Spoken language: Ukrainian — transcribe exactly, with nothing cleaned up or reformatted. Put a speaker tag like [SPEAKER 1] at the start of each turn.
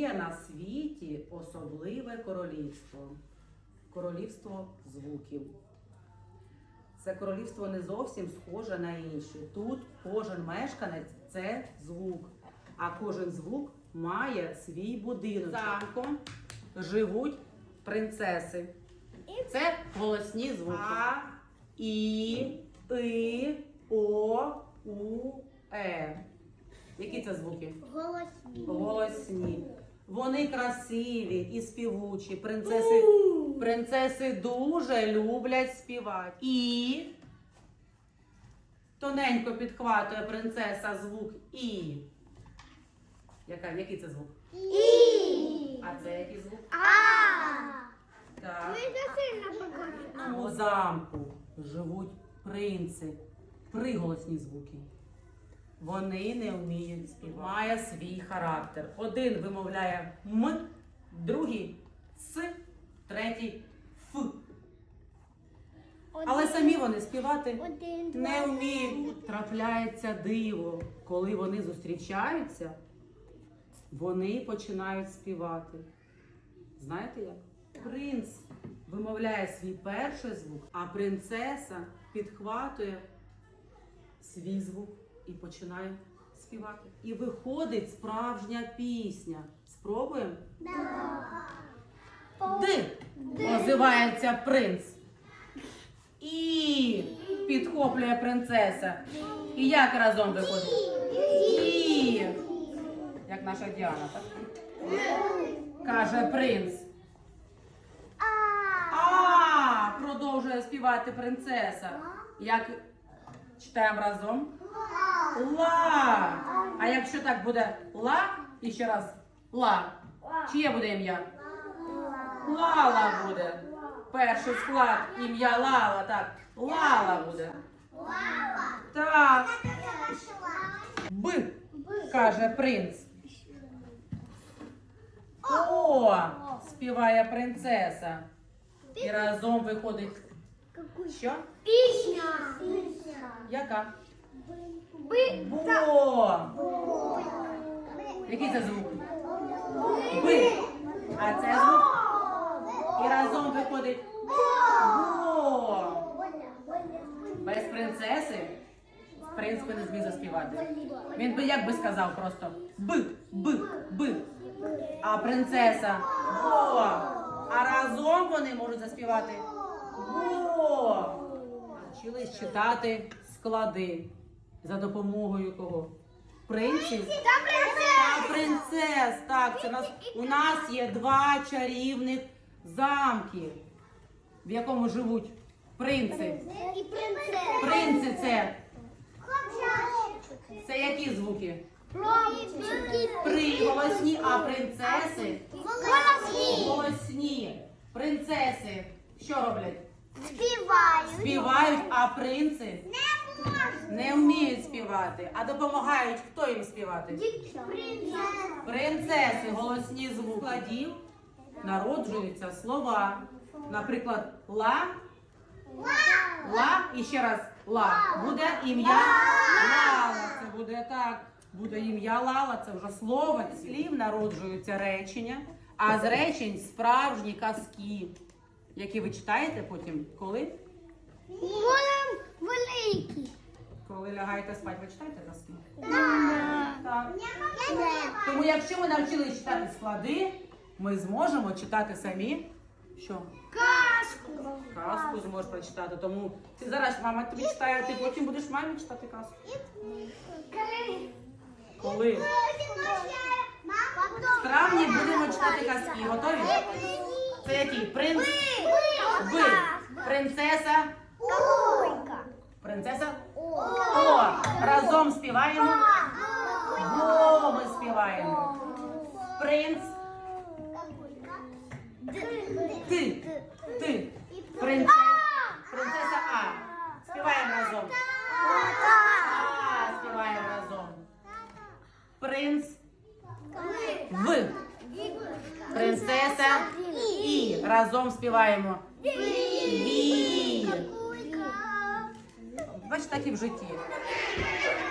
[SPEAKER 1] Є на світі особливе королівство. Королівство звуків. Це королівство не зовсім схоже на інші. Тут кожен мешканець – це звук. А кожен звук має свій будинок. Замком живуть принцеси. Це голосні звуки. А, І, И, О, У, Е. Які це звуки?
[SPEAKER 2] Голосні.
[SPEAKER 1] Голосні. Вони красиві і співучі. Принцеси, принцеси дуже люблять співати. І тоненько підхватує принцеса звук І. Яка, який це звук?
[SPEAKER 2] І.
[SPEAKER 1] А це який звук?
[SPEAKER 2] А.
[SPEAKER 1] Так.
[SPEAKER 2] Ви не сильно похожі.
[SPEAKER 1] У замку живуть принци. Приголосні звуки. Вони не вміють співати. Має свій характер. Один вимовляє М, другий С, третій Ф. Але самі вони співати
[SPEAKER 2] Один, два,
[SPEAKER 1] не вміють. Трапляється диво. Коли вони зустрічаються, вони починають співати. Знаєте як? Принц вимовляє свій перший звук, а принцеса підхватує свій звук і починає співати. І виходить справжня пісня. Спробуємо? Д. Озивається принц. І підхоплює принцеса. І як разом виходить? І. Як наша Діана, так? Каже принц. А, продовжує співати принцеса. Як читаємо разом? Ла. А якщо так буде ла, і ще раз ла. Чиє буде ім'я? Лала буде. Перший склад ім'я Лала, так. Лала буде. Так. Б, каже принц. О, співає принцеса. І разом виходить. Що?
[SPEAKER 2] Пісня.
[SPEAKER 1] Яка?
[SPEAKER 2] Би.
[SPEAKER 1] Бо. Який це звук? Би. А це звук? І разом виходить бо. Без принцеси принц би не зміг заспівати. Він би як би сказав просто б, б, б. А принцеса бо. А разом вони можуть заспівати бо. Навчились читати склади за допомогою кого? Принців та принцес. Так, це нас, у нас є два чарівних замки, в якому живуть принци.
[SPEAKER 2] І принцеса.
[SPEAKER 1] Принци це, це які звуки? Приголосні, а принцеси
[SPEAKER 2] Голосні.
[SPEAKER 1] голосні. Принцеси що роблять?
[SPEAKER 2] Співають.
[SPEAKER 1] Співають, а принци
[SPEAKER 2] Не можна.
[SPEAKER 1] не вміють співати. А допомагають хто їм співати?
[SPEAKER 2] Принцеса.
[SPEAKER 1] Принцеси, голосні звуки. Складів народжуються слова. Наприклад, ла, ла і ще раз ла. Буде ім'я Лала. Це буде так. Буде ім'я Лала, це вже слово. З слів народжуються речення, а з речень справжні казки, які ви читаєте потім, коли?
[SPEAKER 2] Будем великі.
[SPEAKER 1] Коли лягаєте спати, ви читаєте казки?
[SPEAKER 2] Так.
[SPEAKER 1] Так.
[SPEAKER 2] Я не
[SPEAKER 1] Тому якщо ми навчились читати склади, ми зможемо читати самі що?
[SPEAKER 2] Казку.
[SPEAKER 1] Казку зможеш прочитати. Тому ти зараз мама тобі читає, ти потім будеш мамі читати казку. Коли? В травні будемо читати казки. Готові? Це який? Принц? Ви. Принцеса? Принцеса? О! Разом співаємо. О, ми співаємо. Принц? Ти. Ти. Принцеса? Принцеса А. Співаємо разом. А, співаємо разом. Принц? В. Принцеса І. Разом співаємо. Ві. Бачите, так і в житті.